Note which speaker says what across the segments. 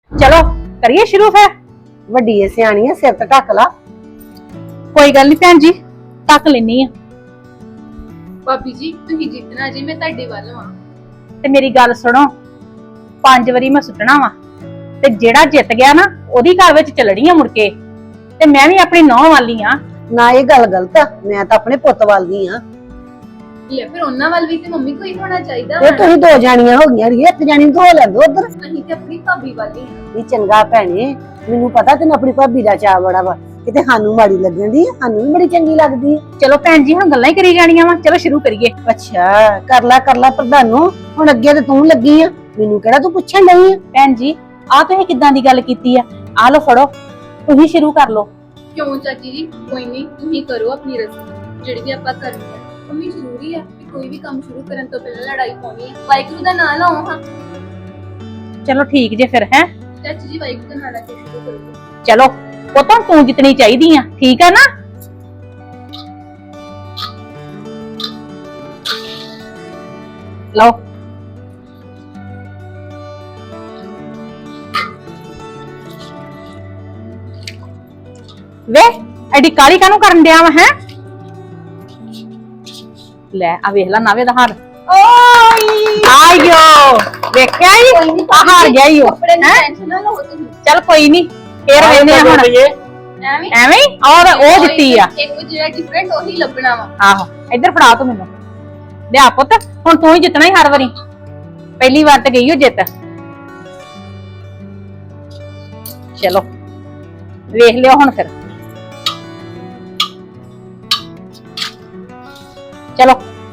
Speaker 1: चलो करिए शुरू फिर।
Speaker 2: ਵੱਡੀ ਐ ਸਿਆਣੀ ਐ, ਸਿਰ ਤੇ ਢੱਕ ਲਾ।
Speaker 1: कोई गल नहीं भैन जी, ढक लेनी है।
Speaker 3: भाभी जी तुही जितना जी मैं ਤੁਹਾਡੇ ਵੱਲ ਵਾਂ।
Speaker 1: ते मेरी गल सुनो, 5 वारी मैं सुटना वा ते जेड़ा जित गया ना ओदी घर विच चलनी है मुड़के। ते मैं भी अपनी नौं वाली हां।
Speaker 2: ਨਾ ਇਹ ਗੱਲ ਗਲਤ ਆ, ਮੈਂ ਤਾਂ ਆਪਣੇ ਪੁੱਤ ਵੱਲ ਦੀ ਆ।
Speaker 3: ਲੈ ਫਿਰ ਉਹਨਾਂ ਵੱਲ ਵੀ ਤੇ ਮੰਮੀ ਕੋਈ ਹੋਣਾ ਚਾਹੀਦਾ
Speaker 2: ਇਹ ਤੁਸੀਂ ਦੋ ਜਾਣੀਆਂ ਹੋ ਗਈਆਂ ਰੀਏ, ਇੱਕ ਜਾਣੀ ਨੂੰ ਧੋ ਲੈਂਦੋ ਉਧਰ।
Speaker 3: ਅਸੀਂ ਤੇ ਆਪਣੀ ਭਾਬੀ ਵਾਲੀ ਹਾਂ।
Speaker 2: ਇਹ ਚੰਗਾ ਭੈਣੇ, ਮੈਨੂੰ ਪਤਾ ਤੈਨੂੰ ਆਪਣੀ ਭਾਬੀ ਦਾ ਚਾਅ ਬੜਾ ਵਾ, ਕਿਤੇ ਸਾਨੂੰ ਮਾੜੀ ਲੱਗਣ ਦੀ, ਸਾਨੂੰ ਵੀ ਬੜੀ ਚੰਗੀ ਲੱਗਦੀ।
Speaker 1: चलो भैन जी हुण गल्लां ही करी जानियां वा, चलो शुरू करिए।
Speaker 2: ਅੱਛਾ ਕਰ ਲਾ ਪ੍ਰਧਾਨੋ, ਹੁਣ ਅੱਗੇ ਤੇ ਤੂੰ ਲੱਗੀ ਆ, ਮੈਨੂੰ ਕਿਹੜਾ ਤੂੰ ਪੁੱਛਣ ਲਈ ਆ।
Speaker 1: भैन जी आ तुसीं किदां दी गल कीती आ? आ लो फड़ो, तुसीं शुरू कर लो।
Speaker 3: ਕਿਉਂ ਚਾਚੀ ਜੀ, ਕੋਈ ਨਹੀਂ ਤੁਸੀਂ ਕਰੋ ਆਪਣੀ ਰਸਮ ਜਿਹੜੀ ਵੀ ਆਪਾਂ ਕਰਨੀ ਹੈ। ਮੰਮੀ ਜ਼ਰੂਰੀ ਹੈ ਕਿ ਕੋਈ ਵੀ ਕੰਮ ਸ਼ੁਰੂ ਕਰਨ ਤੋਂ ਪਹਿਲਾਂ ਲੜਾਈ ਪਾਉਣੀ ਹੈ। ਵਾਹਿਗੁਰੂ ਦਾ ਨਾਮ ਲਾਓ ਹਾਂ।
Speaker 1: चलो ठीक जे फिर है।
Speaker 3: ਚਾਚੀ ਜੀ ਵਾਹਿਗੁਰੂ ਦਾ ਨਾਮ ਲੈ ਕੇ ਸ਼ੁਰੂ ਕਰੋ।
Speaker 1: चलो वो तो तू जितनी चाहिदी आ, ठीक है ना? लो वे एडी काली कानू करन दिया वा है? ले आ वेख ला नावे दा हार। आयो देखया ही आ हार गया ही
Speaker 3: ਕੱਪੜੇ ਦੀ ਟੈਨਸ਼ਨ ਨਾ ਲਓ ਤੁਸੀਂ।
Speaker 1: चल कोई नहीं फिर वेने हुन
Speaker 3: ਐਵੇਂ
Speaker 1: ਐਵੇਂ ਹੀ और ਉਹ ਦਿੱਤੀ ਆ।
Speaker 3: ਇੱਕ ਜਿਹੜਾ ਡਿਫਰੈਂਟ ਉਹੀ ਲੱਭਣਾ ਵਾ।
Speaker 1: ਆਹੋ ਇੱਧਰ ਫੜਾ ਤੂੰ ਮੈਨੂੰ, ਲਿਆ ਪੁੱਤ, ਹੁਣ ਤੂੰ ਹੀ ਜਿੱਤਣਾ ਹੀ ਹਰ ਵਾਰੀ। ਪਹਿਲੀ ਵਾਰ ਤੇ ਗਈ ਹੋ ਜਿੱਤ। ਚਲੋ ਵੇਖ ਲਿਓ ਹੁਣ ਫਿਰ। ਚਲੋ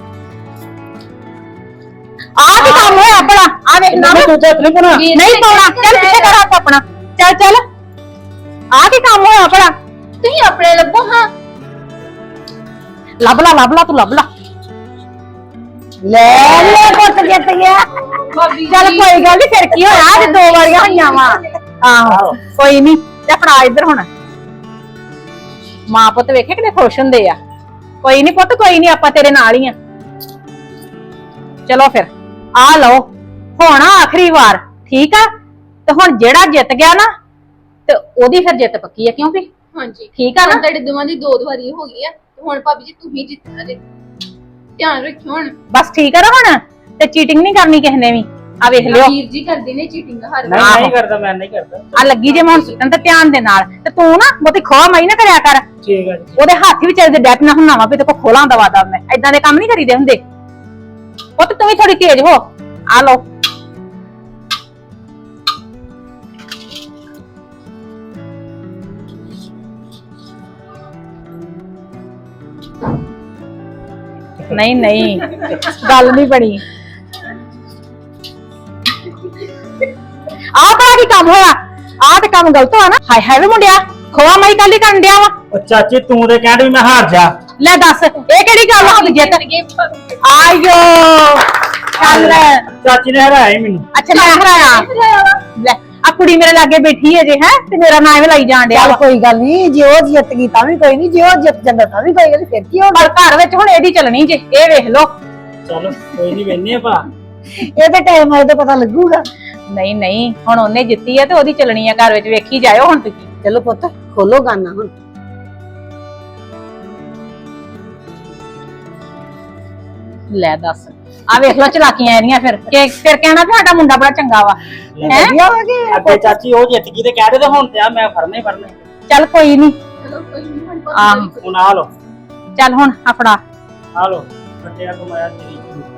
Speaker 1: ਆ ਕੀ ਕੰਮ ਹੋਇਆ ਆਪਣਾ? ਆ ਵੇਖ ਨਾ
Speaker 2: ਤੂੰ ਤੇ ਨਹੀਂ ਬਣਾ।
Speaker 1: ਨਹੀਂ ਪਾਉਣਾ, ਚੱਲ ਪਿੱਛੇ ਕਰ ਹੱਥ ਆਪਣਾ। ਚੱਲ ਚੱਲ ਆ ਕੀ ਕੰਮ ਹੋਇਆ ਆਪਣਾ?
Speaker 3: ਤੁਸੀਂ ਆਪਣੇ ਲੱਭੋ ਹਾਂ।
Speaker 1: ਲੱਭ ਲਾ ਤੂੰ ਲੱਭ ਲਾ।
Speaker 2: ਲੈ ਪੁੱਤ ਜਿੱਤ ਗਿਆ।
Speaker 3: ਭਾਬੀ
Speaker 1: ਚੱਲ
Speaker 3: ਜੀ,
Speaker 1: ਕੋਈ ਗੱਲ ਨੀ, ਫਿਰ ਕੀ ਹੋਇਆ? ਅੱਜ 2 ਵਾਰੀਆਂ ਹੋਈਆਂ ਵਾ। ਆਹੋ ਕੋਈ ਨੀ, ਤੇ ਫੜਾ ਇੱਧਰ ਹੁਣ। ਮਾਂ ਪੁੱਤ ਵੇਖੇ ਕਿੰਨੇ ਖੁਸ਼ ਹੁੰਦੇ ਆ। ਕੋਈ ਨੀ ਪੁੱਤ, ਕੋਈ ਨੀ, ਆਪਾਂ ਤੇਰੇ ਨਾਲ ਹੀ ਆ। ਚਲੋ ਫਿਰ ਆ ਲਓ, ਹੁਣ ਆਖਰੀ ਵਾਰ, ਠੀਕ ਆ? ਤੇ ਹੁਣ ਜਿਹੜਾ ਜਿੱਤ ਗਿਆ ਨਾ ਤੇ ਉਹਦੀ ਫਿਰ ਜਿੱਤ ਪੱਕੀ ਆ, ਕਿਉਂ ਵੀ?
Speaker 3: ਹਾਂਜੀ
Speaker 1: ਠੀਕ ਆ ਨਾ?
Speaker 3: ਹੁਣ ਤੁਹਾਡੇ ਦੋਵਾਂ ਦੀ 2 ਵਾਰੀ ਹੋ ਗਈ ਆ। ਤੇ ਹੁਣ ਭਾਬੀ ਜੀ ਤੁਸੀਂ ਜਿੱਤਣਾ ਜੇ। ਧਿਆਨ ਰੱਖਿਓ ਹੁਣ।
Speaker 1: ਬਸ ਠੀਕ ਆ ਨਾ ਹੁਣ? ਤੇ ਚੀਟਿੰਗ ਨਹੀਂ ਕਰਨੀ ਕਿਸੇ ਨੇ ਵੀ। ਆ ਵੇਖ ਲਿਓ,
Speaker 3: ਵੀਰ ਜੀ ਕਰਦੇ ਨੇ ਚੀਟਿੰਗ ਹਰ
Speaker 4: ਨਹੀਂ
Speaker 3: ਵਾਰ।
Speaker 4: ਨਹੀਂ ਕਰਦਾ, ਮੈਂ ਨਹੀਂ ਕਰਦਾ।
Speaker 1: ਆ ਲੱਗੀ ਜੇ ਮੈਂ ਹੁਣ ਸੁੱਟਣ ਤੇ ਧਿਆਨ ਦੇ ਨਾਲ। ਤੇ ਤੂੰ ਨਾ ਬਹੁਤੀ ਖੋਹ ਮਾਈ ਨਾ ਕਰਿਆ ਕਰ।
Speaker 4: ਠੀਕ ਹੈ ਜੀ।
Speaker 1: ਉਹਦੇ ਹੱਥ ਵੀ ਚੱਲਦੇ ਡੈਪ ਨਾ ਹੁੰਨਾ ਵਾ ਵੀ ਤੇ ਕੋ ਖੋਲਾਂ ਦਵਾ ਦਾ। ਮੈਂ ਏਦਾਂ ਦੇ ਕੰਮ ਨਹੀਂ ਕਰੀਦੇ ਹੁੰਦੇ। ਉਹ ਤੇ ਤੂੰ ਵੀ ਥੋੜੀ ਤੇਜ਼ ਹੋ। ਆ ਲਓ ਨਹੀਂ ਨਹੀਂ ਗੱਲ ਨਹੀਂ ਬਣੀ। ਆਹ ਬੜਾ ਕੀ ਕੰਮ ਹੋਇਆ? ਆਹ ਤੇ ਕੰਮ ਗਲਤ ਹੋਇਆ ਨਾ। ਹਾਏ ਹਾਏ ਵੇ ਮੁੰਡਿਆ, ਖੋਆ ਮਾਈ ਕਾਲੀ ਕਰਨ ਡਿਆ ਵਾ।
Speaker 4: ਉਹ ਚਾਚੀ ਤੂੰ ਤੇ ਕਹਿੰਦੀ ਮੈਂ ਹਾਰ ਜਾ।
Speaker 1: ਲੈ ਦੱਸ ਇਹ ਕਿਹੜੀ ਗੱਲ ਹੋ ਗਈ? ਜਿੱਤ ਆਇਓ ਚੱਲ।
Speaker 4: ਚਾਚੀ ਨੇ ਹਰਾਇਆ ਹੀ ਮੈਨੂੰ।
Speaker 1: ਅੱਛਾ ਮੈਂ ਹਰਾਇਆ? ਲੈ ਆ ਕੁੜੀ ਮੇਰੇ ਲਾਗੇ ਬੈਠੀ ਹੈ ਜੇ, ਹੈ ਤੇ ਮੇਰਾ ਨਾਂ ਐਵੇਂ ਲਾਈ ਜਾਣ ਡਿਆ
Speaker 2: ਚੱਲ
Speaker 1: ਵਾ।
Speaker 2: ਕੋਈ ਗੱਲ ਨਹੀਂ, ਜੇ ਉਹ ਜਿੱਤ ਗਈ ਤਾਂ ਵੀ ਕੋਈ ਨਹੀਂ, ਜੇ ਉਹ ਜਿੱਤ ਜਾਂਦਾ ਤਾਂ ਵੀ ਕੋਈ ਗੱਲ ਨੀ, ਫਿਰ ਕੀ ਹੋ
Speaker 1: ਪਰ ਘਰ ਵਿੱਚ ਹੁਣ ਇਹਦੀ ਚੱਲਣੀ ਜੇ, ਇਹ ਵੇਖ ਲਓ।
Speaker 4: ਚਲੋ ਕੋਈ ਨਹੀਂ, ਵੇਨੇ ਭਾ।
Speaker 2: ਗਿਆ। ਇਹਦੇ ਟਾਈਮ ਆਏ ਤਾਂ ਪਤਾ ਲੱਗੂਗਾ।
Speaker 1: ਨਹੀਂ ਨਹੀਂ ਹੁਣ ਉਹਨੇ ਜਿੱਤੀ ਹੈ ਤੇ ਉਹਦੀ ਚੱਲਣੀ ਹੈ ਘਰ ਵਿੱਚ, ਵੇਖੀ ਜਾਇਓ ਹੁਣ ਤੁਸੀਂ।
Speaker 2: ਚਲੋ ਪੁੱਤ ਖੋਲੋ ਗਾਨਾ ਹੁਣ।
Speaker 1: ਲੈ ਦੱਸ ਆ ਵੇਖ ਲਓ ਚਲਾਕੀਆਂ ਇਹਦੀਆਂ। ਫਿਰ ਫਿਰ ਕਹਿਣਾ ਵੀ ਸਾਡਾ ਮੁੰਡਾ ਬੜਾ ਚੰਗਾ ਵਾ। ਹੈਂ?
Speaker 2: ਵਧੀਆ ਹੋ ਗਿਆ।
Speaker 4: ਅੱਗੇ ਚਾਚੀ ਉਹ ਜਿੱਤ ਗਈ ਤੇ ਕਹਿ ਦੇ ਤੇ ਹੁਣ ਤੇ ਆ ਮੈਂ ਫੜਨੇ ਹੀ ਫੜਨੇ।
Speaker 1: ਚੱਲ ਕੋਈ ਨਹੀਂ।
Speaker 3: ਚਲੋ ਕੋਈ ਨਹੀਂ ਹੁਣ
Speaker 1: ਆਹ।
Speaker 3: ਭਾਬੀ ਜੀ
Speaker 4: ਹੁਣ ਆ ਲੋ,
Speaker 1: ਚੱਲ ਹੁਣ ਆਪਣਾ
Speaker 4: ਆ ਲੋ ਕੱਟਿਆ ਕਮਾਇਆ ਤੇਰੀ।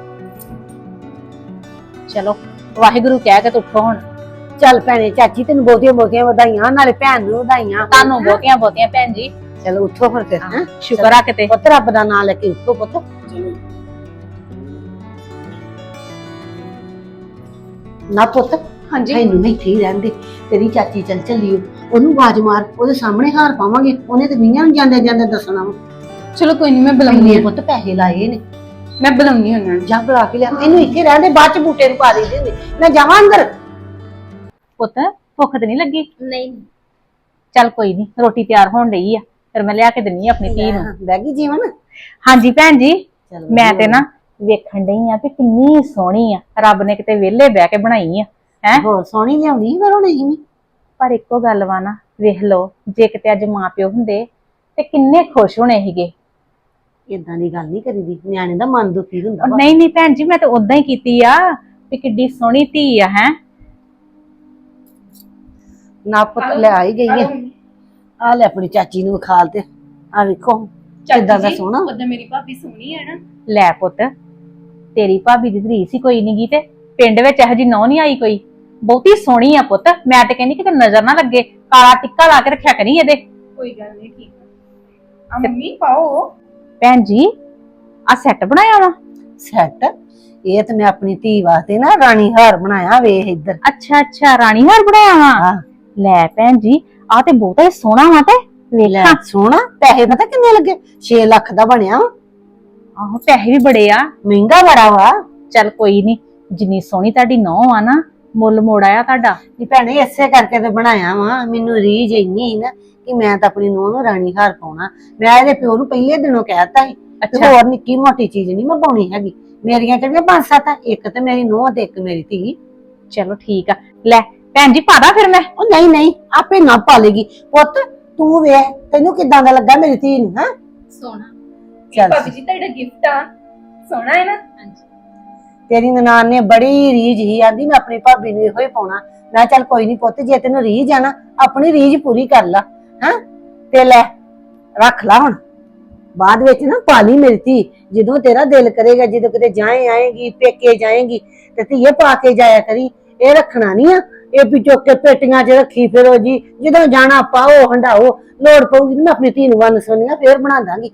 Speaker 1: ਚਲੋ ਵਾਹਿਗੁਰੂ ਕਹਿ ਕੇ ਤੇ ਉੱਠੋ ਹੁਣ।
Speaker 2: ਚੱਲ ਭੈਣੇ, ਚਾਚੀ ਤੈਨੂੰ ਬਹੁਤੀਆਂ ਬਹੁਤੀਆਂ ਵਧਾਈਆਂ, ਨਾਲੇ ਭੈਣ ਨੂੰ ਵਧਾਈਆਂ।
Speaker 1: ਤੁਹਾਨੂੰ ਬਹੁਤੀਆਂ ਬਹੁਤੀਆਂ ਭੈਣ ਜੀ।
Speaker 2: ਚਲੋ ਉੱਠੋ ਹੁਣ ਫਿਰ। ਹੈਂ?
Speaker 1: ਸ਼ੁਕਰ ਆ ਕਿਤੇ।
Speaker 2: ਪੁੱਤ ਰੱਬ ਦਾ ਨਾਮ ਲੈ ਕੇ ਉੱਠੋ ਪੁੱਤ।
Speaker 4: ਚਲੋ
Speaker 2: ਨਾ ਪੁੱਤ
Speaker 3: ਹਾਂਜੀ
Speaker 2: ਇਹਨੂੰ ਨਹੀਂ ਠੀਕ ਰਹਿੰਦੇ, ਤੇਰੀ ਚਾਚੀ ਚੱਲ ਚੱਲੀਓ, ਉਹਨੂੰ ਆਵਾਜ਼ ਮਾਰ, ਉਹਦੇ ਸਾਹਮਣੇ ਹਾਰ ਪਾਵਾਂਗੇ, ਉਹਨੇ ਤੇ ਮੀਆਂ ਨੂੰ ਜਾਂਦੇ ਜਾਂਦੇ ਦੱਸਣਾ ਵਾ।
Speaker 3: ਚਲੋ ਕੋਈ ਨਹੀਂ ਮੈਂ ਬੁਲਾਉਂਦੀ
Speaker 2: ਇੰਨੇ
Speaker 3: ਹਾਂ।
Speaker 2: ਪੁੱਤ ਪੈਸੇ ਲਾਏ ਨੇ,
Speaker 3: ਮੈਂ ਬੁਲਾਉਂਦੀ ਉਹਨਾਂ ਨੂੰ।
Speaker 2: ਜਾ ਬੁਲਾ ਕੇ ਲਿਆ। ਇਹਨੂੰ ਇੱਥੇ ਰਹਿੰਦੇ, ਬਾਅਦ ਚ ਬੂਟੇ ਨੂੰ ਪਾ ਦੇ ਦਿੰਦੇ। ਮੈਂ ਜਾਵਾਂ ਅੰਦਰ।
Speaker 1: ਪੁੱਤ ਭੁੱਖ ਤੇ ਨਹੀਂ ਲੱਗੀ?
Speaker 3: ਨਹੀਂ
Speaker 1: ਚੱਲ ਕੋਈ ਨਹੀਂ, ਰੋਟੀ ਤਿਆਰ ਹੋਣ ਡਈ ਆ, ਫਿਰ ਮੈਂ ਲਿਆ ਕੇ ਦਿੰਨੀ ਆ ਆਪਣੀ ਧੀ ਨੂੰ।
Speaker 2: ਬਹਿ ਗਈ ਜੀਵਨ।
Speaker 1: ਹਾਂਜੀ ਭੈਣ ਜੀ,
Speaker 2: ਚੱਲ
Speaker 1: ਮੈਂ ਤੇ ਨਾ ਵੇਖਣ ਡਈ ਆ ਕਿ ਕਿੰਨੀ ਸੋਹਣੀ ਆ। ਰੱਬ ਨੇ ਕਿਤੇ ਵਿਹਲੇ ਬਹਿ ਕੇ ਬਣਾਈ ਆ। ਹੈ
Speaker 2: ਹੋਰ ਸੋਹਣੀ ਲਿਆਉਣੀ ਸੀ ਫਿਰ ਹੁਣ ਅਸੀਂ ਵੀ।
Speaker 1: ਪਰ ਇੱਕੋ ਗੱਲ ਵਾ ਨਾ, ਵੇਖ ਲਓ ਜੇ ਕਿਤੇ ਅੱਜ ਮਾਂ ਪਿਓ ਹੁੰਦੇ ਤੇ ਕਿੰਨੇ ਖੁਸ਼ ਹੋਣੇ ਸੀਗੇ।
Speaker 2: ਏਦਾਂ ਦੀ ਗੱਲ ਨਹੀਂ ਕਰੀਦੀ, ਨਿਆਣੇ ਦਾ ਮਨ ਦੁਖੀ ਹੁੰਦਾ ਵਾ।
Speaker 1: ਨਹੀਂ ਨਹੀਂ ਭੈਣ ਜੀ, ਮੈਂ ਤਾਂ ਉਦਾਂ ਹੀ ਕੀਤੀ ਆ ਵੀ ਕਿੱਡੀ ਸੋਹਣੀ ਧੀ ਆ ਹੈ।
Speaker 2: ਨਾ ਪੁੱਤ ਲੈ ਆਈ ਗਈ ਹੈ। ਆ ਲੈ ਆਪਣੀ ਚਾਚੀ ਨੂੰ ਵਿਖਾਲ ਤੇ ਆ ਵੇਖੋ ਕਿੱਦਾਂ ਦਾ ਸੋਹਣਾ।
Speaker 3: ਉਦਾਂ ਮੇਰੀ ਭਾਬੀ ਸੋਹਣੀ ਹੈ ਨਾ।
Speaker 1: ਲੈ ਪੁੱਤ, ਤੇਰੀ ਭਾਬੀ ਦੀ ਰੀਸ ਹੀ ਕੋਈ ਨੀ ਗੀ, ਤੇ ਪਿੰਡ ਵਿੱਚ ਇਹੋ ਜੀ ਨੌ ਨਹੀਂ ਆਈ ਕੋਈ। ਬਹੁਤੀ ਸੋਹਣੀ ਆ ਪੁੱਤ, ਮੈਂ ਤੇ ਕਹਿੰਦੀ ਕਿਤੇ ਨਜ਼ਰ ਨਾ ਲੱਗੇ, ਕਾਲਾ ਟਿੱਕਾ ਲਾ ਕੇ ਰੱਖਿਆ ਕਰੀ ਇਹਦੇ।
Speaker 3: ਕੋਈ ਗੱਲ ਨਹੀਂ, ਠੀਕ ਆ ਮੰਮੀ ਪਾਓ।
Speaker 1: ਭੈਣ ਜੀ ਆ ਸੈੱਟ ਬਣਾਇਆ ਵਾ?
Speaker 2: ਸੈੱਟ ਇਹ ਤੇ ਮੈਂ ਆਪਣੀ ਧੀ ਵਾਸਤੇ ਨਾ ਰਾਣੀ ਹਾਰ ਬਣਾਇਆ, ਵੇਖ ਇੱਧਰ।
Speaker 1: ਅੱਛਾ ਅੱਛਾ, ਰਾਣੀ ਹਾਰ ਬਣਾਇਆ ਵਾ।
Speaker 2: ਹਾਂ
Speaker 1: ਲੈ ਭੈਣ ਜੀ ਆ ਤੇ ਬਹੁਤਾ ਹੀ ਸੋਹਣਾ ਵਾ, ਤੇ
Speaker 2: ਲੈ
Speaker 1: ਵੇਖਾਂ।
Speaker 2: ਸੋਹਣਾ, ਪੈਸੇ ਪਤਾ ਕਿੰਨੇ ਲੱਗੇ? 6 ਲੱਖ ਦਾ ਬਣਿਆ ਵਾ।
Speaker 1: ਆਹੋ ਪੈਸੇ ਵੀ ਬੜੇ ਆ।
Speaker 2: ਮਹਿੰਗਾ ਬੜਾ ਵਾ।
Speaker 1: ਚੱਲ ਕੋਈ ਨੀ, ਜਿੰਨੀ ਸੋਹਣੀ ਤੁਹਾਡੀ ਨੌਂ ਆ ਨਾ, ਮੁੱਲ ਮੋੜ ਆਇਆ ਤੁਹਾਡਾ।
Speaker 2: ਨੀ ਭੈਣੇ ਇਸੇ ਕਰਕੇ ਤੇ ਬਣਾਇਆ ਵਾ। ਮੈਨੂੰ ਰੀਝ ਇੰਨੀ ਸੀ ਨਾ ਕਿ ਮੈਂ ਤਾਂ ਆਪਣੀ ਨੂੰਹ ਨੂੰ ਰਾਣੀ ਹਾਰ ਪਾਉਣਾ। ਮੈਂ ਇਹਦੇ ਪਿਓ ਨੂੰ ਪਹਿਲੇ ਦਿਨੋਂ ਕਹਿਤਾ ਸੀ ਤੇ
Speaker 1: ਅੱਛਾ
Speaker 2: ਹੋਰ ਨਿੱਕੀ ਮੋਟੀ ਚੀਜ਼ ਨਹੀਂ ਮੈਂ ਪਾਉਣੀ ਹੈਗੀ। ਮੇਰੀਆਂ ਕਿਹੜੀਆਂ 5-7 ਆ, ਇੱਕ ਤੇ ਮੇਰੀ ਨੂੰਹ ਤੇ ਇੱਕ ਮੇਰੀ ਧੀ।
Speaker 1: ਚਲੋ ਠੀਕ ਆ। ਲੈ ਭੈਣ ਜੀ ਪਾਦਾ ਫਿਰ ਮੈਂ।
Speaker 2: ਉਹ ਨਹੀਂ ਨਹੀਂ, ਆਪੇ ਨਾ ਪਾਲੇਗੀ। ਪੁੱਤ ਤੂੰ ਵੇਖ ਤੈਨੂੰ ਕਿੱਦਾਂ ਦਾ ਲੱਗਾ ਮੇਰੀ ਧੀ ਨੂੰ? ਹਾਂ
Speaker 3: ਸੋਹਣਾ।
Speaker 2: ਚੱਲ
Speaker 3: ਭਾਬੀ ਜੀ ਤੁਹਾਡਾ ਗਿਫਟ ਆ, ਸੋਹਣਾ ਹੈ ਨਾ? ਹਾਂਜੀ।
Speaker 2: ਤੇਰੀ ਨਨਾਣ ਨੇ ਬੜੀ ਰੀਝ ਹੀ ਆਂਦੀ ਮੈਂ ਆਪਣੀ ਭਾਬੀ ਨੂੰ ਇਹੋ ਹੀ ਪਾਉਣਾ। ਮੈਂ ਚੱਲ ਕੋਈ ਨਹੀਂ ਪੁੱਤ, ਜੇ ਤੈਨੂੰ ਰੀਝ ਆ ਨਾ ਆਪਣੀ ਰੀਝ ਪੂਰੀ ਕਰ ਲਾ। ਹਾਂ ਤੇ ਲੈ ਰੱਖ ਲਾ ਹੁਣ, ਬਾਅਦ ਵਿੱਚ ਨਾ ਪਾਲੀ ਮੇਰੀ ਧੀ। ਜਦੋਂ ਤੇਰਾ ਦਿਲ ਕਰੇਗਾ, ਜਦੋਂ ਕਿਤੇ ਜਾਏ ਆਏਗੀ, ਪੇਕੇ ਜਾਏਗੀ ਤੇ ਧੀਏ ਪਾ ਕੇ ਜਾਇਆ ਕਰੀ। ਇਹ ਰੱਖਣਾ ਨਹੀਂ ਆ ਇਹ ਵੀ ਚੁੱਕ ਕੇ ਪੇਟੀਆਂ 'ਚ ਰੱਖੀ ਫਿਰੋ ਜੀ। ਜਦੋਂ ਜਾਣਾ ਪਾਓ ਹੰਡਾਓ, ਲੋੜ ਪਊਗੀ ਮੈਂ ਆਪਣੀ ਧੀ ਨੂੰ ਵੰਨ ਸੁਣੀਆਂ ਫੇਰ ਬਣਾ ਦਾਂਗੀ।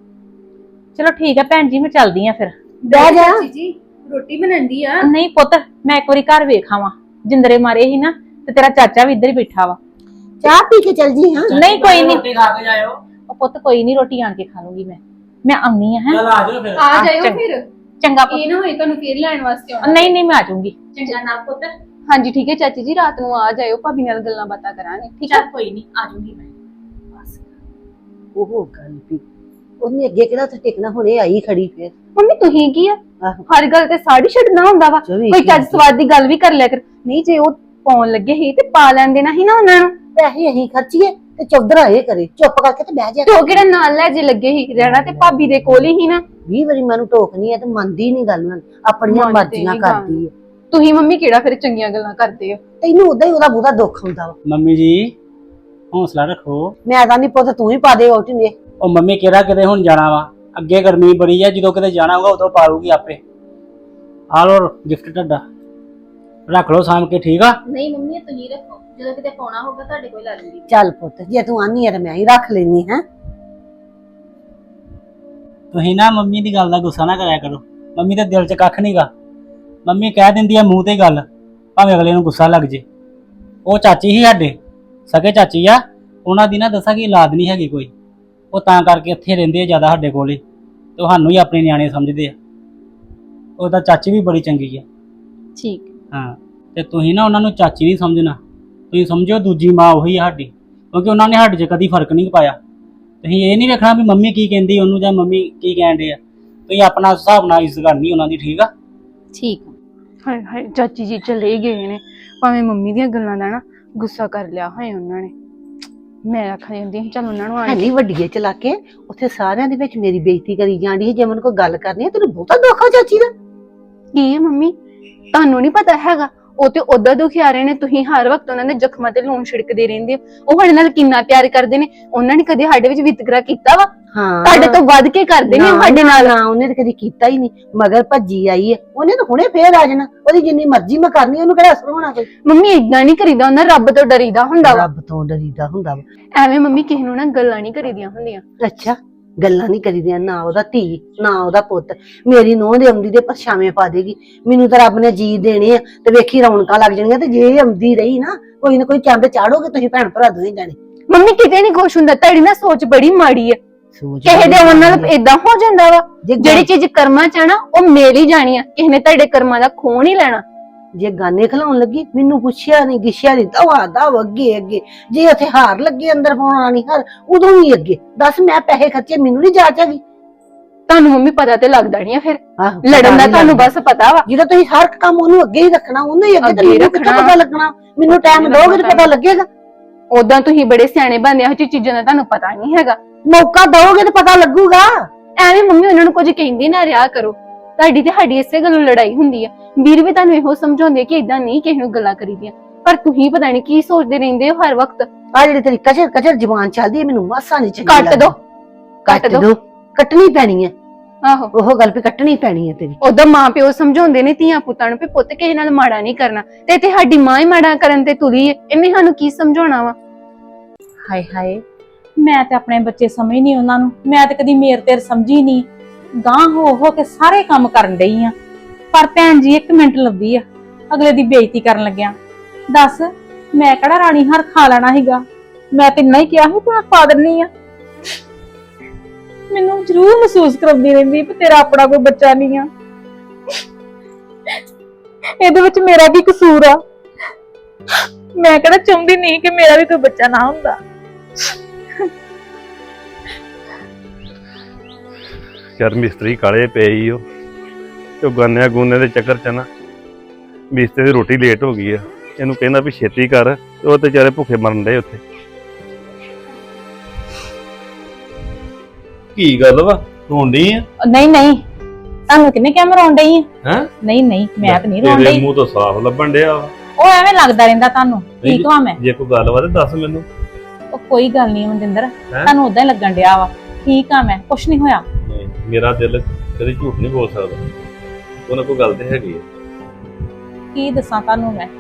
Speaker 1: ਚਲੋ ਠੀਕ ਆ ਭੈਣ ਜੀ, ਮੈਂ ਚੱਲਦੀ ਆ ਫਿਰ।
Speaker 2: ਬਹਿ ਜਾ।
Speaker 3: ਚਾਚੀ ਜੀ ਰੋਟੀ ਬਣਾਉਂਦੀ ਆ।
Speaker 1: ਨਹੀਂ ਪੁੱਤ, ਮੈਂ ਇੱਕ ਵਾਰੀ ਘਰ ਵੇਖਾਵਾਂ। ਜਿੰਦਰੇ ਮਾਰੇ ਸੀ ਨਾ, ਤੇ ਤੇਰਾ ਚਾਚਾ ਵੀ ਇੱਧਰ ਹੀ ਬੈਠਾ ਵਾ।
Speaker 2: ਚਾਹ ਪੀ ਕੇ ਚੱਲ ਜੀ। ਹਾਂ
Speaker 1: ਨਹੀਂ ਕੋਈ ਨੀ,
Speaker 4: ਰੋਟੀ ਖਾ ਕੇ ਜਾਇਓ।
Speaker 1: ਉਹ ਪੁੱਤ ਕੋਈ ਨਹੀਂ, ਰੋਟੀ ਆਣ ਕੇ ਖਾ ਲੂੰਗੀ ਮੈਂ ਆਉਣੀ ਆ। ਹੈ
Speaker 4: ਚਲ ਆ ਜਾਓ ਫਿਰ।
Speaker 3: ਆ ਜਾਇਓ
Speaker 1: ਚੰਗਾ।
Speaker 3: ਫਿਰ।
Speaker 1: ਚੰਗਾ ਪੁੱਤ।
Speaker 3: ਇਹ ਨਾ ਹੋਏ ਤੁਹਾਨੂੰ ਫੇਰ ਲੈਣ ਵਾਸਤੇ ਆਉਣਾ।
Speaker 1: ਨਹੀਂ ਨਹੀਂ, ਮੈਂ ਆ ਜਾਊਂਗੀ। ਚੰਗਾ ਨਾ ਪੁੱਤ।
Speaker 3: ਹਾਂਜੀ ਠੀਕ ਹੈ ਚਾਚੀ ਜੀ, ਰਾਤ ਨੂੰ ਆ ਜਾਇਓ, ਭਾਬੀ ਨਾਲ ਗੱਲਾਂ ਬਾਤਾਂ ਕਰਾਂਗੇ। ਠੀਕ ਹੈ?
Speaker 1: ਚੱਲ ਕੋਈ ਨਹੀਂ, ਆ ਜਾਊਂਗੀ ਮੈਂ।
Speaker 2: ਉਹ ਗੱਲ ਵੀ ਉਹਨੇ ਅੱਗੇ ਕਿਹੜਾ ਉੱਥੇ ਟਿਕਣਾ, ਹੁਣੇ ਆਈ ਖੜੀ ਫੇਰ।
Speaker 3: ਮੰਮੀ ਤੁਸੀਂ ਕੀ ਆ,
Speaker 2: ਆਹੋ।
Speaker 3: ਹਰ ਗੱਲ ਤੇ ਸਾੜੀ ਛੱਡਣਾ ਹੁੰਦਾ ਵਾ।
Speaker 2: ਚੌਵੀ
Speaker 3: ਕੋਈ ਚੱਜ
Speaker 2: ਘੰਟੇ।
Speaker 3: ਸਵਾਦ ਦੀ ਗੱਲ ਵੀ ਕਰ ਲਿਆ ਕਰ। ਨਹੀਂ ਜੇ ਉਹ ਪਾਉਣ ਲੱਗੇ ਸੀ ਤੇ ਪਾ ਲੈਣ ਦੇਣਾ ਸੀ ਨਾ ਉਹਨਾਂ ਨੂੰ।
Speaker 2: ਪੈਸੇ ਅਸੀਂ ਖਰਚੀਏ ਤੇ ਚੌਧਰਾ ਇਹ ਕਰੇ, ਚੁੱਪ ਕਰਕੇ ਤੇ ਬਹਿ ਜਾ।
Speaker 3: ਤੇ ਉਹ ਕਿਹੜਾ ਨਾਲ ਲੈ ਜੇ ਲੱਗੇ ਸੀ, ਰਹਿਣਾ ਤੇ ਭਾਬੀ ਦੇ ਕੋਲ ਹੀ ਨਾ।
Speaker 2: 20 ਵਾਰੀ ਮੈਨੂੰ ਟੋਕਨੀ ਹੈ ਤੇ ਮੰਨਦੀ ਨਹੀਂ ਗੱਲ ਨਾਲ, ਆਪਣੀਆਂ
Speaker 3: ਮੰਨਦੇ
Speaker 2: ਮਰਜ਼ੀਆਂ
Speaker 3: ਨੀ
Speaker 2: ਕਰਦੀ ਹੈ।
Speaker 3: ਤੁਸੀਂ ਮੰਮੀ ਕਿਹੜਾ ਫਿਰ ਚੰਗੀਆਂ ਗੱਲਾਂ ਕਰਦੇ ਹੋ?
Speaker 2: ਤੈਨੂੰ ਉਦਾਂ ਹੀ ਉਹਦਾ ਬਹੁਤਾ ਦੁੱਖ ਹੁੰਦਾ ਵਾ।
Speaker 4: ਮੰਮੀ ਜੀ ਹੌਸਲਾ ਰੱਖੋ।
Speaker 2: ਮੈਂ ਤਾਂ ਨਹੀਂ ਪੁੱਤ ਤੂੰ ਹੀ ਪਾ ਦੇ ਵੋਟੀ ਨੇ।
Speaker 4: ਉਹ ਮੰਮੀ ਕਿਹੜਾ ਕਿਤੇ ਹੁਣ ਜਾਣਾ ਵਾ, ਅੱਗੇ ਗਰਮੀ ਬੜੀ ਆ, ਜਦੋਂ ਕਿਤੇ ਜਾਣਾ ਹੋਊਗਾ ਉਦੋਂ ਪਾਲੂਗੀ ਆਪੇ। ਆ ਲੋ ਗਿਫਟ ਤੁਹਾਡਾ, ਰੱਖ ਲਓ ਸਾਂਭ ਕੇ। ਠੀਕ ਆ?
Speaker 3: ਨਹੀਂ ਮੰਮੀ ਇਹ ਤੁਸੀਂ ਰੱਖੋ, ਜਦੋਂ ਕਿਤੇ ਪਾਉਣਾ ਹੋਗਾ ਤੁਹਾਡੇ ਕੋਲ ਲੈ ਲੂੰਗੀ।
Speaker 2: ਚੱਲ ਪੁੱਤ ਜੇ ਤੂੰ ਆਨੀ ਹੈ ਤੇ ਮੈਂ ਹੀ ਰੱਖ ਲੈਣੀ ਹੈ।
Speaker 4: ਤੁਸੀਂ ਨਾ ਮੰਮੀ ਦੀ ਗੱਲ ਦਾ ਗੁੱਸਾ ਨਾ ਕਰਿਆ ਕਰੋ। ਮੰਮੀ ਦੇ ਦਿਲ 'ਚ ਕੱਖ ਨਹੀਂਗਾ। ਮੰਮੀ ਕਹਿ ਦਿੰਦੀ ਆ ਮੂੰਹ ਤੇ ਗੱਲ, ਭਾਵੇਂ ਅਗਲੇ ਨੂੰ ਗੁੱਸਾ ਲੱਗ ਜੇ। ਉਹ ਚਾਚੀ ਹੀ ਸਾਡੇ ਸਕੇ ਚਾਚੀ ਆ, ਉਹਨਾਂ ਦੀ ਨਾ ਦੱਸਾਂ ਕਿ ਔਲਾਦ ਨਹੀਂ ਹੈਗੀ ਕੋਈ। ਉਹ ਤਾਂ ਕਰਕੇ ਇੱਥੇ ਰਹਿੰਦੇ ਆ ਜ਼ਿਆਦਾ ਸਾਡੇ ਕੋਲ ਹੀ, ਤੇ ਸਾਨੂੰ ਹੀ ਆਪਣੇ ਨਿਆਣੇ ਸਮਝਦੇ ਆ। ਉਹਦਾ ਚਾਚੀ ਵੀ ਬੜੀ ਚੰਗੀ ਆ।
Speaker 3: ਠੀਕ।
Speaker 4: ਹਾਂ, ਤੇ ਤੁਸੀਂ ਨਾ ਉਹਨਾਂ ਨੂੰ ਚਾਚੀ ਨਹੀਂ ਸਮਝਣਾ, ਤੁਸੀਂ ਸਮਝੋ ਦੂਜੀ ਮਾਂ ਉਹੀ ਆ ਸਾਡੀ, ਕਿਉਂਕਿ ਉਹਨਾਂ ਨੇ ਸਾਡੇ 'ਚ ਕਦੀ ਫਰਕ ਨਹੀਂ ਪਾਇਆ। ਤੁਸੀਂ ਇਹ ਨਹੀਂ ਵੇਖਣਾ ਵੀ ਮੰਮੀ ਕੀ ਕਹਿੰਦੀ ਉਹਨੂੰ ਜਾਂ ਮੰਮੀ ਕੀ ਕਹਿੰਦੇ ਆ। ਤੁਸੀਂ ਆਪਣਾ ਹਿਸਾਬ ਨਾਲ ਇੱਜ਼ਤ ਕਰਨੀ ਉਹਨਾਂ ਦੀ। ਠੀਕ ਆ?
Speaker 3: ਠੀਕ ਆ। ਹਾਏ ਹਾਏ ਚਾਚੀ ਜੀ ਚਲੇ ਗਏ ਨੇ, ਭਾਵੇਂ ਮੰਮੀ ਦੀਆਂ ਗੱਲਾਂ ਦਾ ਨਾ ਗੁੱਸਾ ਕਰ ਲਿਆ ਹੋਏ ਉਹਨਾਂ ਨੇ। ਮੈਂ ਆਖਾਂ ਜਾਂਦੀ ਚੱਲ ਉਹਨਾਂ ਨੂੰ ਆਣ
Speaker 2: ਹੈਨੀ ਵੱਡੀਏ ਚਲਾ ਕੇ ਉੱਥੇ ਸਾਰਿਆਂ ਦੇ ਵਿੱਚ ਮੇਰੀ ਬੇਇੱਜ਼ਤੀ ਕਰੀ ਜਾਂਦੀ ਹੈ। ਜੇ ਮੈਨੂੰ ਕੋਈ ਗੱਲ ਕਰਨੀ ਹੈ ਤੈਨੂੰ ਬਹੁਤਾ ਦੁੱਖ ਆ ਚਾਚੀ ਦਾ।
Speaker 3: ਕੀ ਹੈ ਮੰਮੀ, ਤੁਹਾਨੂੰ ਨਹੀਂ ਪਤਾ ਹੈਗਾ? ਉਹ ਤੇ ਉਦਾਂ ਦੁਖਿਆਰੇ ਨੇ, ਤੁਸੀਂ ਹਰ ਵਕਤ ਉਹਨਾਂ ਦੇ ਜ਼ਖਮਾਂ ਤੇ ਲੂਣ ਛਿੜਕਦੇ ਰਹਿੰਦੇ ਹੋ। ਉਹ ਸਾਡੇ ਨਾਲ ਕਿੰਨਾ ਪਿਆਰ ਕਰਦੇ ਨੇ, ਉਹਨਾਂ ਨੇ ਕਦੇ ਸਾਡੇ ਵਿੱਚ ਵਿਤਕਰਾ ਕੀਤਾ ਵਾ?
Speaker 2: ਹਾਂ
Speaker 3: ਤੁਹਾਡੇ ਤੋਂ ਵੱਧ ਕੇ ਕਰਦੇ ਨੇ ਉਹ ਸਾਡੇ ਨਾਲ।
Speaker 2: ਨਾ ਉਹਨੇ ਤਾਂ ਕਦੀ ਕੀਤਾ ਹੀ ਨਹੀਂ, ਮਗਰ ਭੱਜੀ ਆਈ ਹੈ। ਉਹਨੇ ਤਾਂ ਹੁਣੇ ਫੇਰ ਆ ਜਾਣਾ, ਉਹਦੀ ਜਿੰਨੀ ਮਰਜ਼ੀ ਮੈਂ ਕਰਨੀ, ਉਹਨੂੰ ਕਿਹੜਾ ਅਸਰ ਹੋਣਾ ਕੋਈ।
Speaker 3: ਮੰਮੀ ਏਦਾਂ ਨਹੀਂ ਕਰੀਦਾ ਹੁੰਦਾ, ਰੱਬ ਤੋਂ ਡਰੀਦਾ ਹੁੰਦਾ ਵਾ।
Speaker 2: ਰੱਬ ਤੋਂ ਡਰੀਦਾ ਹੁੰਦਾ ਵਾ।
Speaker 3: ਐਵੇਂ ਮੰਮੀ ਕਿਸੇ ਨੂੰ ਨਾ ਗੱਲਾਂ ਨਹੀਂ ਕਰੀਦੀਆਂ ਹੁੰਦੀਆਂ।
Speaker 2: ਅੱਛਾ ਗੱਲਾਂ ਨਹੀਂ ਕਰੀਦੀਆਂ, ਨਾ ਉਹਦਾ ਧੀ ਨਾ ਉਹਦਾ ਪੁੱਤ। ਮੇਰੀ ਨੂੰਹ ਦੇ ਆਉਂਦੀ ਦੇ ਪਰਛਾਵੇਂ ਪਾ ਦੇਗੀ। ਮੈਨੂੰ ਤਾਂ ਰੱਬ ਨੇ ਜੀ ਦੇਣੇ ਆ ਤੇ ਵੇਖੀ ਰੌਣਕਾਂ ਲੱਗ ਜਾਣੀਆਂ। ਤੇ ਜੇ ਇਹ ਆਉਂਦੀ ਰਹੀ ਨਾ ਕੋਈ ਚੰਦ ਚਾੜੋਗੇ ਤੁਸੀਂ ਭੈਣ ਭਰਾ ਦੋਵੇਂ ਜਾਣੇ।
Speaker 3: ਮੰਮੀ ਕਿਤੇ ਨਹੀਂ ਖੁਸ਼ ਹੁੰਦਾ, ਤੁਹਾਡੀ ਨਾ ਸੋਚ ਬੜੀ ਮਾੜੀ ਆ। ਕਿਸੇ ਦੇ ਆਉਣ ਨਾਲ ਏਦਾਂ ਹੋ ਜਾਂਦਾ ਵਾ। ਜਿਹੜੀ ਚੀਜ਼ ਕਰਮਾਂ ਚ ਆ ਨਾ ਉਹ ਮਿਲ ਹੀ ਜਾਣੀ ਆ, ਕਿਸੇ ਨੇ ਤੁਹਾਡੇ ਕਰਮਾਂ ਦਾ ਖੋਹ ਨਹੀਂ ਲੈਣਾ।
Speaker 2: ਜੇ ਗਾਨੇ ਖਲਾਉਣ ਲੱਗੀ ਮੈਨੂੰ ਪੁੱਛਿਆ ਨਹੀਂ ਗਿੱਛਿਆ ਨਹੀਂ, ਦਵਾ ਅੱਗੇ ਅੱਗੇ। ਜੇ ਉੱਥੇ ਹਾਰ ਲੱਗੇ ਅੰਦਰ ਪਾਉਣਾ ਨਹੀਂ ਹਾਰ, ਉਦੋਂ ਵੀ ਅੱਗੇ। ਦੱਸ ਮੈਂ ਪੈਸੇ ਖਰਚੇ, ਮੈਨੂੰ ਨਹੀਂ ਜਾਚ ਹੈਗੀ।
Speaker 3: ਤੁਹਾਨੂੰ ਮੰਮੀ ਪਤਾ ਤੇ ਲੱਗਦਾ ਨਹੀਂ ਆ ਫਿਰ
Speaker 2: ਆਹੋ,
Speaker 3: ਲੜਨ ਦਾ
Speaker 2: ਪਤਾ ਨੀ
Speaker 3: ਤੁਹਾਨੂੰ
Speaker 2: ਲੱਗਦਾ।
Speaker 3: ਬਸ ਪਤਾ ਵਾ
Speaker 2: ਜਦੋਂ ਤੁਸੀਂ ਹਰ ਕੰਮ ਉਹਨੂੰ ਅੱਗੇ ਹੀ ਰੱਖਣਾ, ਉਹਨੂੰ ਹੀ ਅੱਗੇ, ਤੇ
Speaker 3: ਅੱਗੇ
Speaker 2: ਮੈਨੂੰ ਕਿੱਥੋਂ
Speaker 3: ਰੱਖਣਾ।
Speaker 2: ਪਤਾ ਲੱਗਣਾ? ਮੈਨੂੰ ਟਾਈਮ
Speaker 3: ਅੱਗੇ
Speaker 2: ਦੋਗੇ ਤੇ
Speaker 3: ਰੱਖਣਾ
Speaker 2: ਪਤਾ ਲੱਗੇਗਾ।
Speaker 3: ਉਦਾਂ ਤੁਸੀਂ ਬੜੇ ਸਿਆਣੇ ਬਣਦੇ ਇਹੋ ਜਿਹੀ ਚੀਜ਼ਾਂ ਦਾ ਤੁਹਾਨੂੰ ਪਤਾ ਨਹੀਂ ਹੈਗਾ।
Speaker 2: ਮੌਕਾ ਦਓਗੇ ਤੇ ਪਤਾ ਲੱਗੂਗਾ।
Speaker 3: ਐਵੇਂ ਮੰਮੀ ਉਹਨਾਂ ਨੂੰ ਕੁਝ ਕਹਿੰਦੀ ਨਾ ਰਿਹਾ ਕਰੋ। ਤੁਹਾਡੀ ਤੇ ਸਾਡੀ ਇਸੇ ਗੱਲੋਂ ਲੜਾਈ ਹੁੰਦੀ ਆ। ਵੀਰ ਵੀ ਤੁਹਾਨੂੰ ਇਹੋ ਸਮਝਾਉਂਦੇ ਕਿ ਇਦਾਂ ਨਹੀਂ ਕਿਸੇ ਨੂੰ ਗੱਲਾਂ ਕਰੀਦੀਆਂ, ਪਰ ਤੁਸੀਂ ਪਤਾ ਨਹੀਂ ਕੀ ਸੋਚਦੇ ਰਹਿੰਦੇ ਹੋ ਹਰ ਵਕਤ।
Speaker 2: ਆ ਜਿਹੜੀ ਤੇਰੀ ਕਚਰ ਕਚਰ ਜ਼ੁਬਾਨ ਚੱਲਦੀ ਹੈ, ਮੈਨੂੰ ਮਾਸਾ ਨਹੀਂ ਚੰਗੀ
Speaker 3: ਕੱਟ
Speaker 2: ਲੱਗਦੀ।
Speaker 3: ਦੋ ਕੱਟ ਦੋ।
Speaker 2: ਕੱਟਣੀ ਪੈਣੀ ਹੈ,
Speaker 3: ਆਹੋ
Speaker 2: ਉਹ ਗੱਲ ਵੀ ਕੱਟਣੀ ਪੈਣੀ ਹੈ ਤੇਰੀ।
Speaker 3: ਉਦਾਂ ਮਾਂ ਪਿਓ ਸਮਝਾਉਂਦੇ ਨੇ ਧੀਆਂ ਪੁੱਤਾਂ ਨੂੰ ਵੀ ਪੁੱਤ ਕਿਸੇ ਨਾਲ ਮਾੜਾ ਨਹੀਂ ਕਰਨਾ, ਤੇ ਇੱਥੇ ਸਾਡੀ ਮਾਂ ਹੀ ਮਾੜਾ ਕਰਨ ਤੇ ਤੁਰੀ ਏ। ਇਹਨੇ ਸਾਨੂੰ ਕੀ ਸਮਝਾਉਣਾ ਵਾ?
Speaker 1: ਹਾਏ ਹਾਏ, ਮੈਂ ਤੇ ਆਪਣੇ ਬੱਚੇ ਸਮਝ ਨਹੀਂ ਉਹਨਾਂ ਨੂੰ। ਮੈਂ ਤੇ ਕਦੀ ਮੇਰ ਤੇਰ ਸਮਝੀ ਨਹੀਂ। ਗਾਂ ਹੋ ਕੇ ਸਾਰੇ ਕੰਮ ਕਰਨ ਡਈ ਆ, ਪਰ ਭੈਣ ਜੀ 1 ਮਿੰਟ ਲੱਭਦੀ ਆ ਅਗਲੇ ਦੀ ਬੇਇੱਜ਼ਤੀ ਕਰਨ ਲੱਗਿਆ। ਦੱਸ ਮੈਂ ਕਿਹੜਾ ਰਾਣੀ ਹਾਰ ਖਾ ਲੈਣਾ ਸੀਗਾ? ਮੈਂ ਤੇ ਨਹੀਂ ਕਿਹਾ ਸੀ ਤੂੰ ਪਾ ਦਿੰਨੀ ਆ। ਮੈਨੂੰ ਜ਼ਰੂਰ ਮਹਿਸੂਸ ਕਰਾਉਂਦੀ ਰਹਿੰਦੀ ਵੀ ਤੇਰਾ ਆਪਣਾ ਕੋਈ ਬੱਚਾ ਨਹੀਂ ਆ। ਇਹਦੇ ਵਿੱਚ ਮੇਰਾ ਵੀ ਕਸੂਰ ਆ। ਮੈਂ ਕਿਹੜਾ ਚਾਹੁੰਦੀ ਨਹੀਂ ਕਿ ਮੇਰਾ ਵੀ ਕੋਈ ਬੱਚਾ ਨਾ ਹੁੰਦਾ।
Speaker 5: ਯਾਰ ਮਿਸਤਰੀ ਕਾਲੇ ਪਏ ਈ ਉਹ ਤੇ ਉਹ ਗਾਨਿਆਂ ਗੂਨੇ ਦੇ ਚੱਕਰ ਚ ਨਾ ਮਿਸਤਰੀ ਦੀ ਰੋਟੀ ਲੇਟ ਹੋ ਗਈ ਆ। ਇਹਨੂੰ ਕਹਿੰਦਾ ਵੀ ਛੇਤੀ ਕਰ, ਤੇ ਉਹ ਤੇ ਵਿਚਾਰੇ ਭੁੱਖੇ ਮਰਨ ਡਏ ਉੱਥੇ। ਕੀ ਗੱਲ ਵਾ, ਰੋਂਦੀ ਆ?
Speaker 1: ਨਹੀਂ ਨਹੀਂ, ਤੁਹਾਨੂੰ ਕਿਹਨੇ ਕਿਹਾ ਮੈਂ ਰੋਣ ਡਈ ਆ?
Speaker 5: ਹੈਂ?
Speaker 1: ਨਹੀਂ ਨਹੀਂ, ਮੈਂ ਤਾਂ ਨਹੀਂ ਰੋਣ
Speaker 5: ਤੇਰੇ
Speaker 1: ਡਈ।
Speaker 5: ਮੂੰਹ ਤੋਂ ਸਾਫ਼ ਲੱਭਣ ਡਿਆ ਵਾ।
Speaker 1: ਉਹ ਐਵੇਂ ਲੱਗਦਾ ਰਹਿੰਦਾ ਤੁਹਾਨੂੰ। ਠੀਕ ਵਾ ਮੈਂ?
Speaker 5: ਜੇ ਕੋਈ ਗੱਲ ਵਾ ਤੇ ਦੱਸ ਮੈਨੂੰ।
Speaker 1: ਉਹ ਕੋਈ ਗੱਲ ਨਹੀਂ ਮਨਜਿੰਦਰ, ਤੁਹਾਨੂੰ ਉਦਾਂ ਹੀ ਲੱਗਣ ਡਿਆ ਵਾ। ਠੀਕ ਆ ਮੈਂ, ਕੁਛ ਨਹੀਂ ਹੋਇਆ।
Speaker 5: ਨਹੀਂ, ਮੇਰਾ ਦਿਲ ਕਦੇ ਝੂਠ ਨਹੀਂ ਬੋਲ ਸਕਦਾ। ਉਹਨਾਂ ਕੋਈ ਗੱਲ ਤੇ ਹੈਗੀ ਆ।
Speaker 1: ਕੀ ਦੱਸਾਂ ਤੁਹਾਨੂੰ ਮੈਂ?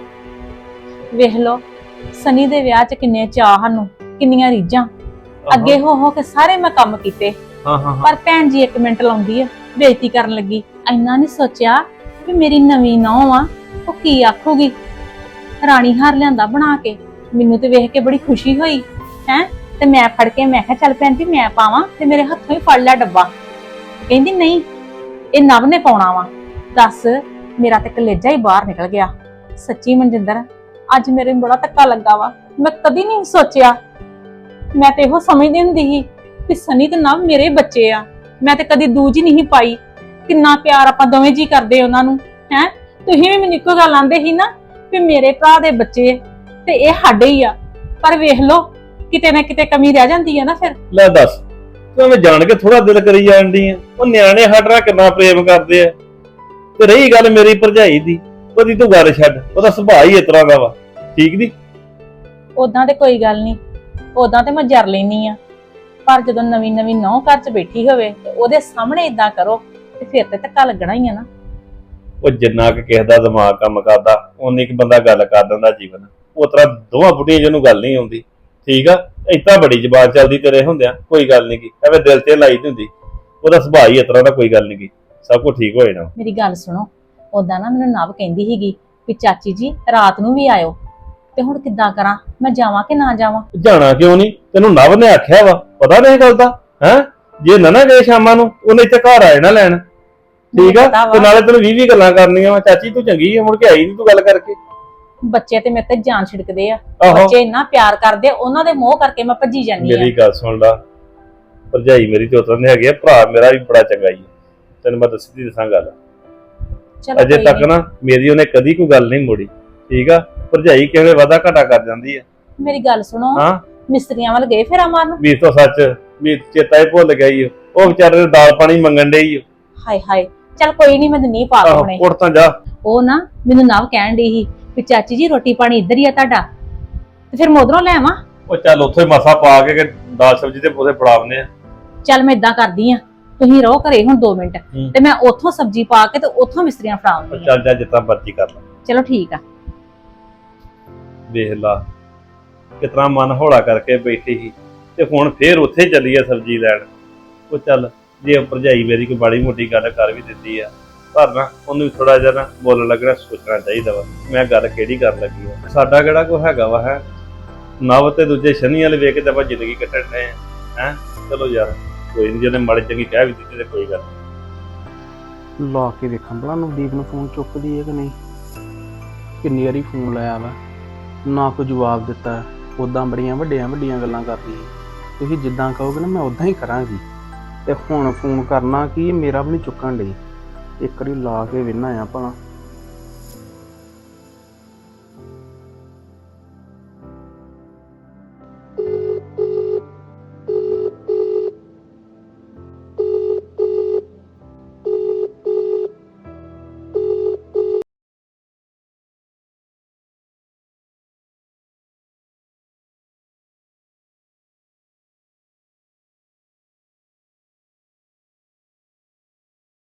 Speaker 1: ਵੇਖ ਲਓ, ਸਨੀ ਦੇ ਵਿਆਹ 'ਚ ਕਿੰਨੇ ਚਾਅ ਸਾਨੂੰ, ਕਿੰਨੀਆਂ ਰੀਝਾਂ। ਅੱਗੇ ਹੋ ਕੇ ਸਾਰੇ ਮੈਂ ਕੰਮ ਕੀਤੇ,
Speaker 5: ਹਾਂ ਹਾਂ ਹਾਂ।
Speaker 1: ਪਰ ਭੈਣ ਜੀ 1 ਮਿੰਟ ਲਾਉਂਦੀ ਆ, ਬੇਇੱਜ਼ਤੀ ਕਰਨ ਲੱਗੀ। ਇੰਨਾ ਨਹੀਂ ਸੋਚਿਆ ਵੀ ਮੇਰੀ ਨਵੀਂ ਨੌਂ ਆ, ਉਹ ਕੀ ਆਖੂਗੀ। ਰਾਣੀ ਹਾਰ ਲਿਆਂਦਾ ਬਣਾ ਕੇ, ਮੈਨੂੰ ਤੇ ਵੇਖ ਕੇ ਬੜੀ ਖੁਸ਼ੀ ਹੋਈ ਹੈ। ਤੇ ਮੈਂ ਫੜ ਕੇ ਮੈਂ ਕਿਹਾ ਚੱਲ ਭੈਣ ਜੀ ਮੈਂ ਪਾਵਾਂ, ਤੇ ਮੇਰੇ ਹੱਥੋਂ ਹੀ ਫੜ ਲਿਆ ਡੱਬਾ। ਕਹਿੰਦੀ ਨਹੀਂ, ਇਹ ਨਵ ਨੇ ਪਾਉਣਾ ਵਾ। ਦੱਸ, ਮੇਰਾ ਤੇ ਕਲੇਜਾ ਹੀ ਬਾਹਰ ਨਿਕਲ ਗਿਆ। ਸੱਚੀ ਮਨਜਿੰਦਰ, ਅੱਜ ਮੇਰੇ ਨੂੰ ਬੜਾ ਧੱਕਾ ਲੱਗਾ ਵਾ। ਮੈਂ ਕਦੀ ਨਹੀਂ ਸੋਚਿਆ। ਮੈਂ ਤੇ ਇਹੋ ਸਮਝਦੀ ਹੁੰਦੀ ਸੀ ਕਿ ਸਨੀ ਤੇ ਨਵ ਮੇਰੇ ਬੱਚੇ ਆ। ਮੈਂ ਤੇ ਕਦੀ ਦੂਜ ਹੀ ਨਹੀਂ ਪਾਈ। ਕਿੰਨਾ ਪਿਆਰ ਆਪਾਂ ਦੋਵੇਂ ਜੀ ਕਰਦੇ ਉਹਨਾਂ ਨੂੰ ਹੈ। ਤੁਸੀਂ ਵੀ ਮੈਨੂੰ ਇੱਕੋ ਗੱਲ ਆਂਦੇ ਸੀ ਨਾ ਵੀ ਮੇਰੇ ਭਰਾ ਦੇ ਬੱਚੇ ਤੇ ਇਹ ਸਾਡੇ ਹੀ ਆ। ਪਰ ਵੇਖ ਲਓ, ਕਿਤੇ ਨਾ ਕਿਤੇ ਕਮੀ ਰਹਿ ਜਾਂਦੀ ਆ ਨਾ ਫਿਰ।
Speaker 5: ਲੈ ਦੱਸ, ਤੂੰ ਐਵੇਂ ਜਾਣ ਕੇ ਥੋੜਾ ਦਿਲ ਕਰੀ ਜਾਂਦੀ ਆ। ਉਹ ਨਿਆਣੇ ਸਾਡਾ ਕਿੰਨਾ ਪ੍ਰੇਮ ਕਰਦੇ ਆ। ਤੇ ਰਹੀ ਗੱਲ ਮੇਰੀ ਭਰਜਾਈ ਦੀ, ਉਹਦੀ ਤੂੰ ਗੱਲ ਛੱਡ, ਉਹਦਾ ਸੁਭਾਅ ਹੀ ਇਸ ਤਰ੍ਹਾਂ ਦਾ ਵਾ। ਠੀਕ ਨੀ?
Speaker 1: ਉਦਾਂ ਤੇ ਕੋਈ ਗੱਲ ਨਹੀਂ, ਉਦਾਂ ਤੇ ਮੈਂ ਜਰ ਲੈਣੀ ਆ। ਪਰ ਜਦੋਂ ਨਵੀਂ ਨਵੀਂ ਨੌਂ ਘਰ 'ਚ ਬੈਠੀ ਹੋਵੇ ਤੇ ਉਹਦੇ ਸਾਹਮਣੇ ਇਦਾਂ ਕਰੋ ਤੇ ਫਿਰ ਤੇ ਧੱਕਾ ਲੱਗਣਾ ਹੀ ਆ ਨਾ।
Speaker 5: ਉਹ ਜਿੰਨਾ ਕਿ ਕਿਸੇ ਦਾ ਦਿਮਾਗ ਕੰਮ ਕਰਦਾ, ਉਨੀ ਕਿ ਬੰਦਾ ਗੱਲ ਕਰ ਦਿੰਦਾ ਜੀਵਨ। ਉਹ ਤਰ੍ਹਾਂ ਦੋਵਾਂ ਬੁੱਢੀਆਂ ਜਿਹਨੂੰ ਗੱਲ ਨਹੀਂ ਆਉਂਦੀ। ਠੀਕ ਆ, ਏਦਾਂ ਬੜੀ ਜ਼ਬਾਨ ਚੱਲਦੀ ਤੇਰੇ ਹੁੰਦਿਆਂ ਕੋਈ ਗੱਲ ਨਹੀਂ ਕੀ ਐਵੇਂ ਦਿਲ ਤੇ ਲਾਈ ਦੀ ਹੁੰਦੀ। ਉਹਦਾ ਸੁਭਾਅ ਹੀ ਇਸ ਤਰ੍ਹਾਂ ਦਾ, ਕੋਈ ਗੱਲ ਨਹੀਂ ਕੀ, ਸਭ ਕੁਝ ਠੀਕ ਹੋ ਜਾਣਾ।
Speaker 1: ਮੇਰੀ ਗੱਲ ਸੁਣੋ, ਉਦਾਂ ਨਾ ਮੈਨੂੰ ਨਵ ਕਹਿੰਦੀ ਸੀਗੀ ਵੀ ਚਾਚੀ ਜੀ ਰਾਤ ਨੂੰ ਵੀ ਆਇਓ। ਤੇ ਹੁਣ ਕਿੱਦਾਂ ਕਰਾਂ, ਮੈਂ ਜਾਵਾਂ ਕਿ ਨਾ ਜਾਵਾਂ?
Speaker 5: ਜਾਣਾ ਕਿਉਂ ਨਹੀਂ? ਤੈਨੂੰ ਨਵ ਨੇ ਆਖਿਆ ਵਾ, ਪਤਾ ਨਹੀਂ ਗੱਲ ਦਾ ਹੈ। ਜੇ ਨਾ ਗਏ ਸ਼ਾਮਾਂ ਨੂੰ, ਉਹਨੇ ਇੱਥੇ ਘਰ ਆਏ ਨਾ ਲੈਣ। ਠੀਕ ਆ, ਤੇ ਨਾਲੇ ਤੈਨੂੰ 20 ਗੱਲਾਂ ਕਰਨੀਆਂ ਵਾ। ਚਾਚੀ ਤੂੰ ਚੰਗੀ ਆ, ਮੁੜ ਕੇ ਆਈ ਨਹੀਂ ਤੂੰ ਗੱਲ ਕਰਕੇ।
Speaker 1: ਬੱਚੇ ਤੇ ਮੇਰੇ ਤੇ ਜਾਨ ਛਿੜਕਦੇ ਆ।
Speaker 5: ਆਹੋ।
Speaker 1: ਬੱਚੇ ਇੰਨਾ ਪਿਆਰ ਕਰਦੇ, ਉਹਨਾਂ ਦੇ ਮੋਹ ਕਰਕੇ ਮੈਂ ਭੱਜੀ ਜਾਂਦੀ ਆ।
Speaker 5: ਮੇਰੀ ਗੱਲ ਸੁਣ ਲਾ, ਭਰਜਾਈ ਮੇਰੀ ਤੇ ਉਤਰਨ ਦੇ ਹੈਗੇ ਆ, ਭਰਾ ਮੇਰਾ ਵੀ ਬੜਾ ਚੰਗਾ ਹੀ। ਤੈਨੂੰ ਮੈਂ ਸਿੱਧੀ ਦੱਸਾਂ ਗੱਲ,
Speaker 1: ਚਲੋ
Speaker 5: ਅਜੇ
Speaker 1: ਕੋਈ
Speaker 5: ਤੱਕ
Speaker 1: ਨੀ।
Speaker 5: ਨਾ ਮੇਰੀ ਉਹਨੇ ਕਦੀ ਕੋਈ ਗੱਲ ਨਹੀਂ ਮੋੜੀ। ਠੀਕ ਆ, ਭਰਜਾਈ ਕਿਵੇਂ ਵਾਦਾ ਘਾਟਾ ਕਰ ਜਾਂਦੀ ਆ।
Speaker 1: ਮੇਰੀ ਗੱਲ ਸੁਣੋ,
Speaker 5: ਹਾਂ,
Speaker 1: ਮਿਸਤਰੀਆਂ ਵੱਲ ਗਏ ਫੇਰਾ ਮਾਰਨ?
Speaker 5: ਵੀ ਤੋਂ ਸੱਚ ਵੀ ਚੇਤਾ ਹੀ ਭੁੱਲ ਗਿਆ ਈ ਓ। ਉਹ ਵਿਚਾਰੇ ਨੂੰ ਦਾਲ ਪਾਣੀ ਮੰਗਣ ਡਈ ਓ।
Speaker 1: ਹਾਏ ਹਾਏ, ਚੱਲ ਕੋਈ ਨਹੀਂ, ਮੈਂ ਨਹੀਂ ਪਾ
Speaker 5: ਆਹੋ,
Speaker 1: ਪਾਉਣੇ।
Speaker 5: ਉੱਠ ਤਾਂ ਜਾ।
Speaker 1: ਉਹ ਨਾ ਮੈਨੂੰ ਨਵ ਕਹਿਣ ਡਈ ਸੀ ਵੀ ਚਾਚੀ ਜੀ ਰੋਟੀ ਪਾਣੀ ਇੱਧਰ ਹੀ ਆ ਤੁਹਾਡਾ, ਤੇ ਫਿਰ ਮੈਂ ਉਧਰੋਂ ਲੈ ਆਵਾਂ।
Speaker 5: ਉਹ ਚੱਲ ਉੱਥੇ ਮਸਾ ਪਾ ਕੇ ਦਾਲ ਸਬਜ਼ੀ ਤੇ ਉਹਦੇ ਫੜਾਵਨੇ ਆ।
Speaker 1: ਚੱਲ ਮੈਂ ਇਦਾਂ ਕਰਦੀ ਆ, ਤੁਸੀਂ ਰਹੋ ਘਰੇ ਹੁਣ 2 ਮਿੰਟ,
Speaker 5: ਹੂੰ।
Speaker 1: ਤੇ ਮੈਂ ਉੱਥੋਂ ਸਬਜ਼ੀ ਪਾ ਕੇ ਤੇ ਉੱਥੋਂ ਮਿਸਤਰੀਆਂ
Speaker 5: ਉਹ
Speaker 1: ਫੜਾਉਂਦੀ ਆ।
Speaker 5: ਚੱਲ ਜਾ, ਜਿੱਦਾਂ ਮਰਜ਼ੀ ਕਰ ਲੈ।
Speaker 1: ਚਲੋ ਠੀਕ ਆ।
Speaker 5: ਵੇਖ ਲਾ ਕਿਤਨਾ ਮਨ ਹੌਲਾ ਕਰਕੇ ਬੈਠੀ ਸੀ, ਤੇ ਹੁਣ ਫੇਰ ਉੱਥੇ ਚੱਲੀ ਆ ਸਬਜ਼ੀ ਲੈਣ। ਉਹ ਚੱਲ, ਜੇ ਭਰਜਾਈ ਮੇਰੀ ਕੋਈ ਬੜੀ ਮੋਟੀ ਗੱਲ ਕਰ ਵੀ ਦਿੰਦੀ ਆ, ਪਰ ਨਾ ਉਹਨੂੰ ਵੀ ਥੋੜਾ ਜਿਹਾ ਨਾ ਬੋਲਣ ਲੱਗਣਾ ਸੋਚਣਾ ਚਾਹੀਦਾ ਵਾ, ਮੈਂ ਗੱਲ ਕਿਹੜੀ ਕਰਨ ਲੱਗੀ ਆ। ਸਾਡਾ ਕਿਹੜਾ ਕੋਈ ਹੈਗਾ ਵਾ ਹੈ। ਨਵ ਤੇ ਦੂਜੇ ਸ਼ਨੀ ਵਾਲੇ ਵੇਖ ਕੇ ਤਾਂ ਆਪਾਂ ਜ਼ਿੰਦਗੀ ਕੱਟਣ ਡਏ ਆ ਹੈ। ਚਲੋ ਯਾਰ ਕੋਈ ਨਹੀਂ, ਜਿਹਨੇ ਮਾੜੀ ਚੰਗੀ ਕਹਿ ਵੀ ਦਿੱਤੀ ਤੇ ਕੋਈ ਗੱਲ ਨੀ।
Speaker 6: ਲਾ ਕੇ ਦੇਖਾਂ ਭਲਾ ਨਵਦੀਪ ਨੂੰ ਫੋਨ ਚੁੱਕਦੀ ਹੈ ਕਿ ਨਹੀਂ। ਕਿੰਨੀ ਵਾਰੀ ਫੋਨ ਲਾਇਆ ਵਾ, ਨਾ ਕੋਈ ਜਵਾਬ ਦਿੱਤਾ। ਉੱਦਾਂ ਬੜੀਆਂ ਵੱਡੀਆਂ ਗੱਲਾਂ ਕਰਦੀ ਹੈ। ਤੁਸੀਂ ਜਿੱਦਾਂ ਕਹੋਗੇ ਨਾ ਮੈਂ ਉਦਾਂ ਹੀ ਕਰਾਂਗੀ। ਤੇ ਹੁਣ ਫੋਨ ਕਰਨਾ ਕੀ ਮੇਰਾ ਵੀ ਨਹੀਂ ਚੁੱਕਣ ਡਈ। ਇੱਕ ਵਾਰੀ ਲਾ ਕੇ ਵੇਨਾ ਆ ਭਲਾ।